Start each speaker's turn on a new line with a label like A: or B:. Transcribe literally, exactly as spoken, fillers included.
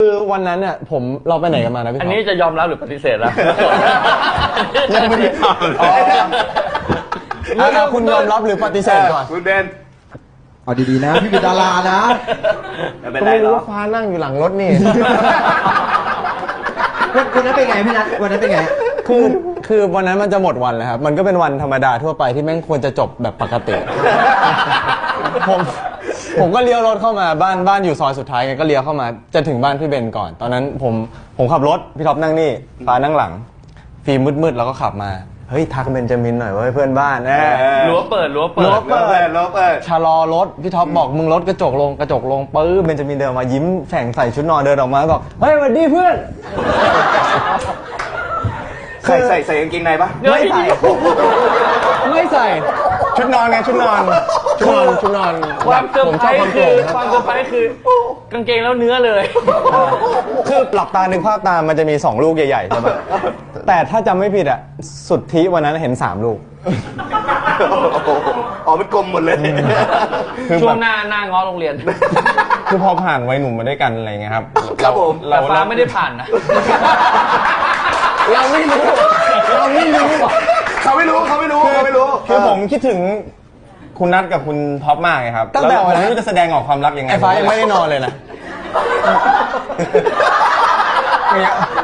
A: คือวันนั้นเนี่ยผมเราไปไหนกันมานะพี่ท็อป
B: อันนี้จะยอมรับหรือปฏิเสธแล้ว
A: ยังไม่ได้ถามอ่ะคุณยอมรับหรือปฏิเสธก่อน
C: คุณเบน
D: เอาดีๆนะพี่เป็นดารานะ
C: ไม่เป็น
A: ก็
C: ไร
A: ไม่
C: หร
A: รู้
C: อก
A: ว่าฟ้านั่งอยู่หลังรถนี่
D: วันวันนั้นเป็นไงพี่นัทวันนั้นเป็นไง
A: คือคือวันนั้นมันจะหมดวันแล้วครับมันก็เป็นวันธรรมดาทั่วไปที่แม่งควรจะจบแบบปกติ ผมผมก็เลี้ยวรถเข้ามาบ้านบ้านอยู่ซอยสุดท้ายไงก็เลี้ยวเข้ามาจะถึงบ้านพี่เบนก่อน ตอนนั้นผมผมขับรถพี่ท็อปนั่งนี่ฟ้านั่งหลังฟิล์มมืดๆแล้วก็ขับมาเฮ้ยทักเบนจามินหน่อยว่าเพื่อนบ้านแน่
B: รั้วเปิดรั้วเปิด
A: รั้ว
C: โรเปิดโรเปิด
A: ชะลอรถพี่ท็อปบอกมึงรถกระจกลงกระจกลงปื้อเบนจามินเดินมายิ้มแฉ่งใส่ชุดนอนเดินออกมาบอกเฮ้ยสวัสดีเพื่อน
C: ใส่ใส่ใส่กางเกงในปะ
A: ไม่ใส่ไม่ใส่ชุดนอนไงชุดนอนชุดนอนชุดนอน
B: ความเซอร์
A: ผม
B: ไพ
A: ช
B: ร
A: อบความ
B: ส์
A: โป
B: คื
A: ร่
B: อง ความเซอร์ไพรส์คือกางเกงแล้วเนื้อเลย
A: คือหลับตานึกภาพตามมันจะมีสองลูกใหญ่ๆใช่ไหมแต่ถ้าจำไม่ผิดอ่ะสุดที่วันนั้นเห็นสามลูก
C: อ๋อมันกลมหมดเลย
A: คือ
B: ช่ว
A: แบ
B: ง
A: บ
B: หน้าหน้าง้อโรงเรียน
A: คือพอผ่านวัยหนุ่มมาด้วยกันอะไรเงี้ยครับ
C: ครับผม
B: แต่ฟ้าไม่ได้ผ่านนะ
A: เราไม่รู้เราไม่รู้
C: เขาไม่รู้เขาไม่รู้เขาไม่รู้
A: คือผมคิดถึงคุณนัทกับคุณท็อปมากไงครับตั้งแต่วันนั้นจะแสดงออกความรักยังไงไอ้ฟ้ายังไม่ได้นอนเลยนะ